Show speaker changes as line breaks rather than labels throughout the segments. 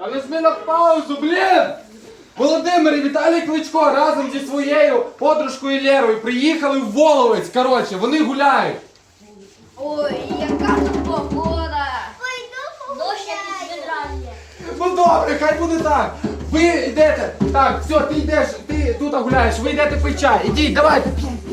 Але ж ми на паузу, блін! Володимир і Віталій Кличко разом зі своєю подружкою Лєрою приїхали в Воловець, коротше, вони гуляють.
Ой, яка тут погода! Дощ якийсь відрання.
Ну добре, хай буде так. Ви йдете, так, все, ти йдеш, ти тут гуляєш, ви йдете пить чай. Ідіть, давайте.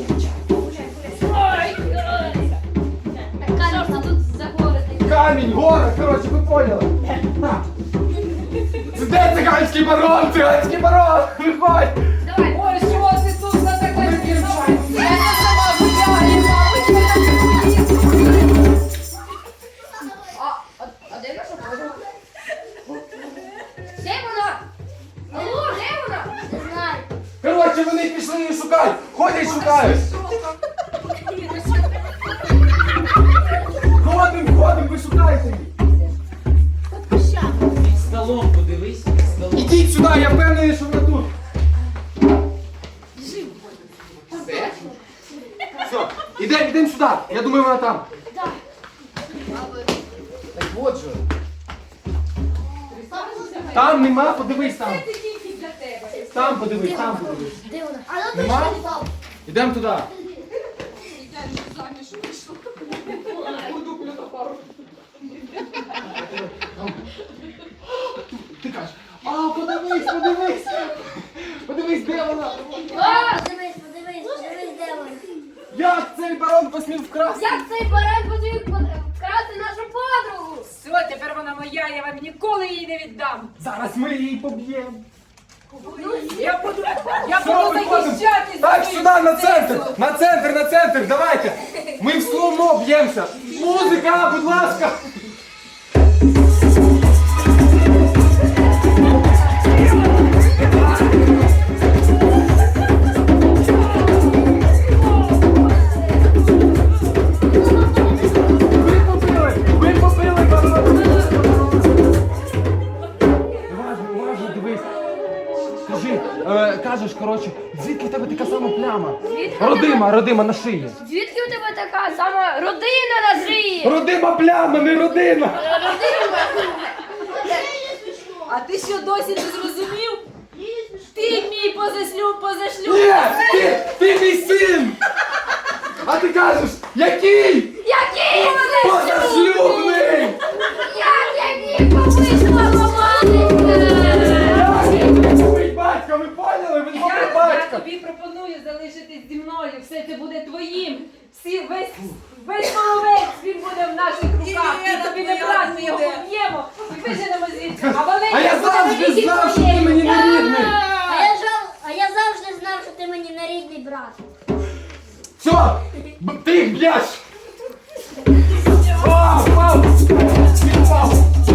Камінь тут загорити.
Камінь, гора, коротше, ви поняли. На. Де циганський барон, циганський барон, виходь.
Давай.
Ой, що ти тут за така
Ми
дівчина? Я сама гуляю, мабуть,
А де наша подруга? Де вона? Алло, де вона? Не знаю.
Коротше, вони пішли її шукають, ходять шукають. Ходим, ви шукаєте її.
Під столом подивись, під столом.
Ідіть сюди, я впевнений, що вона тут. Все, ідемо сюди, я думаю, вона там.
Так.
Так от же. Там нема, подивись там.
це тільки для тебе.
Там подивись, там подивись.
Де вона? А ну
Нема?
точно не там.
Ідемо туди.
Я заміж вийшла.
Ти кажеш, подивись. Подивись, де вона.
Подивись, де вона.
Як цей барон посмів вкрасти?
Як цей баран посмів вкрасти нашу подругу?
Все, тепер вона моя, я вам ніколи її не віддам.
Зараз ми її поб'ємо.
Я буду
Все, виходимо.
захищати
Так,
свою
сюди, на
принцесу.
центр, давайте. Ми в слоумо б'ємося. Музика, будь ласка. Ви попили, барон. Уважно, дивись. Скажи, кажеш, коротше, звідки в тебе така сама пляма?
Звідки?
Родима на шиї.
Звідки у тебе така сама родина на шиї?
Родима пляма, не родина.
А ти що досі не зрозумів? Ти мій позашлюб.
Ні, ти мій син. А ти кажеш, який?
Який
Позашлюбний.
Який помисла
Ви батько, ви поняли? Ви добре
Я
батько.
тобі пропоную залишитись зі мною, все це буде твоїм. Весь половець, він буде в наших руках. І тобі не брат, ми його поб'ємо і виженемо звідси. А Валерій
А я
буде
завжди
навіки
знав, що ти
твоєю.
мені не рідний.
А я завжди знав, що ти мені не рідний брат.
Все, ти їх б'єш. Впав. Він впав.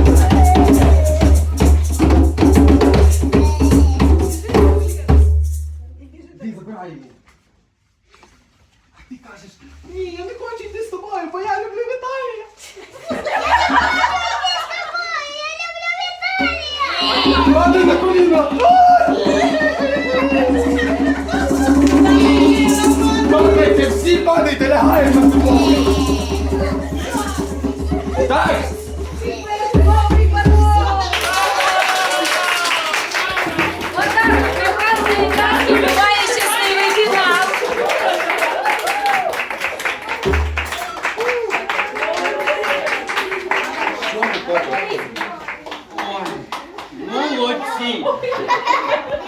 Ти забирай його. А ти кажеш, ні, я не хочу йти з тобою, бо я люблю Віталія. Падай на коліна. Падайте, всі падайте, лягаємо на підлогу. Так.
Добрий барон!
Отак, коханий брат.
І буває щасливий фінал.
Молодці!